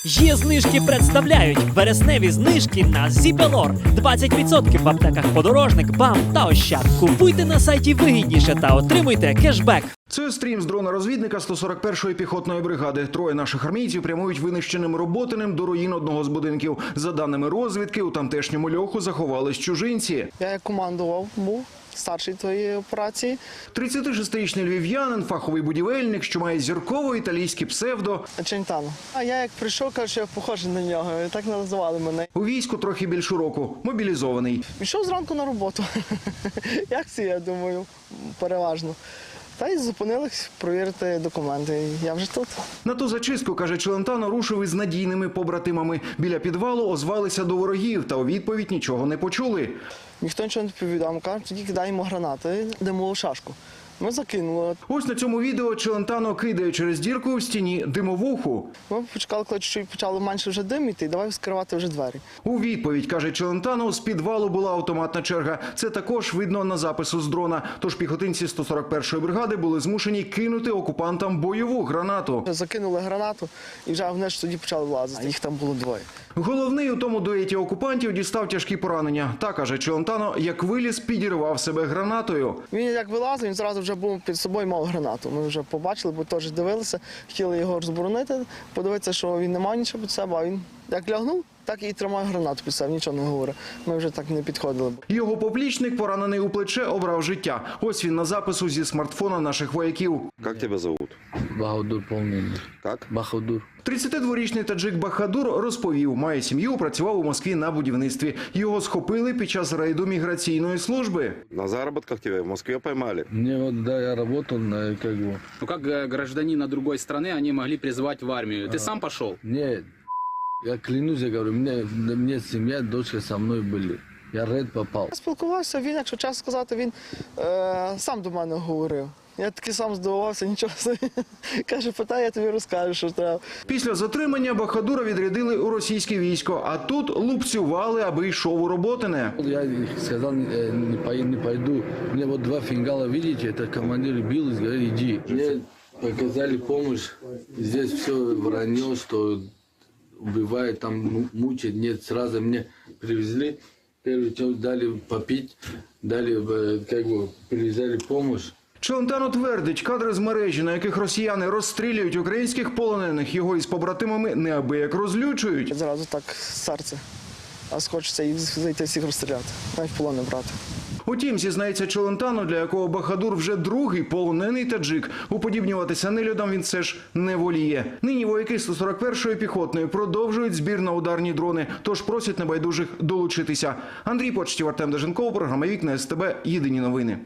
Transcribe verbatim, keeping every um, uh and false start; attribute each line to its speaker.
Speaker 1: Є знижки представляють вересневі знижки на Зібелор. двадцять відсотків в аптеках Подорожник, БАМ та Ощад. Купуйте на сайті вигідніше та отримуйте кешбек.
Speaker 2: Це стрім з дрона-розвідника сто сорок першої піхотної бригади. Троє наших армійців прямують винищеним Роботиним до руїн одного з будинків. За даними розвідки, у тамтешньому льоху заховались чужинці.
Speaker 3: Я як командував, був старший тої операції.
Speaker 2: тридцятишестирічний львів'янин, фаховий будівельник, що має зіркове італійське псевдо.
Speaker 3: Челентано. А я як прийшов, кажу, що я похожий на нього. І так називали мене.
Speaker 2: У війську трохи більше року, мобілізований.
Speaker 3: Пішов зранку на роботу. Як це, я думаю, переважно. Та й зупинились провірити документи. Я вже тут.
Speaker 2: На ту зачистку, каже Челентано, рушив із надійними побратимами. Біля підвалу озвалися до ворогів, та у відповідь нічого не почули.
Speaker 3: Ніхто нічого не відповідав. Кажуть, тоді кидаємо гранати, димову шашку. Ми закинули.
Speaker 2: Ось на цьому відео Челентано кидає через дірку в стіні димовуху.
Speaker 3: Ми почекали, коли чуть почало менше вже диміти, і давай скривати вже двері.
Speaker 2: У відповідь, каже Челентано, з підвалу була автоматна черга. Це також видно на запису з дрона. Тож піхотинці сто сорок першої бригади були змушені кинути окупантам бойову гранату.
Speaker 3: Закинули гранату і вже вниз тоді почали влазити. Їх там було двоє.
Speaker 2: Головний у тому дуеті окупантів дістав тяжкі поранення. Та, каже Челентано, як виліз, підірвав себе гранатою.
Speaker 3: Він як вилазив, він зразу вже був під собою, мав гранату. Ми вже побачили, бо теж дивилися, хотіли його розборонити, подивитися, що він не мав нічого під себе, а він як лягнув, так і тримає гранату під себе, нічого не говорить. Ми вже так не підходили.
Speaker 2: Його поплічник, поранений у плече, обрав життя. Ось він на запису зі смартфона наших вояків.
Speaker 4: Как тебя зовут?
Speaker 5: Бахадур полный.
Speaker 4: Как?
Speaker 5: Бахадур.
Speaker 2: тридцятидворічний таджик Бахадур розповів, має сім'ю, працював у Москві на будівництві. Його схопили під час рейду міграційної служби.
Speaker 4: На заработках тебя в Москве поймали.
Speaker 5: Мне вот, да, я работал на, как бы...
Speaker 6: Ну как э, гражданина другой страны они могли призвать в армию? Ты сам пошел?
Speaker 5: Нет, я клянусь, я говорю, мне, мне семья, дочка со мной были. Я в рейд попал.
Speaker 3: Я спілкувався, він, якщо чесно сказати, він е, сам до мене говорив. Я таки сам здивувався, нічого собі. Каже, питай, я тобі розкажу, що треба.
Speaker 2: Після затримання Бахадура відрядили у російське військо, а тут лупцювали, аби йшов у Роботине.
Speaker 5: Я сказал, э, не, пой- не пойду. Мне вот два фингала, видите, это командир бил, и говорит, иди. Мне показали помощь. Здесь все вранье, что убивает, там му- мучает. Нет, сразу мне привезли. Первый час дали попить, дали, э, как бы, привязали помощь.
Speaker 2: Челентано твердить, кадри з мережі, на яких росіяни розстрілюють українських полонених, його із побратимами неабияк розлючують.
Speaker 3: Зразу так серце. А хочеться їх зайти всіх розстріляти, навіть в полон не брати.
Speaker 2: Утім, зізнається Челентано, для якого Бахадур вже другий полонений таджик. Уподібнюватися нелюдам він все ж не воліє. Нині вояки сто сорок першої піхотної продовжують збір на ударні дрони, тож просять небайдужих долучитися. Андрій Почтів, Артем Деженков, програма «Вікна СТБ», єдині новини.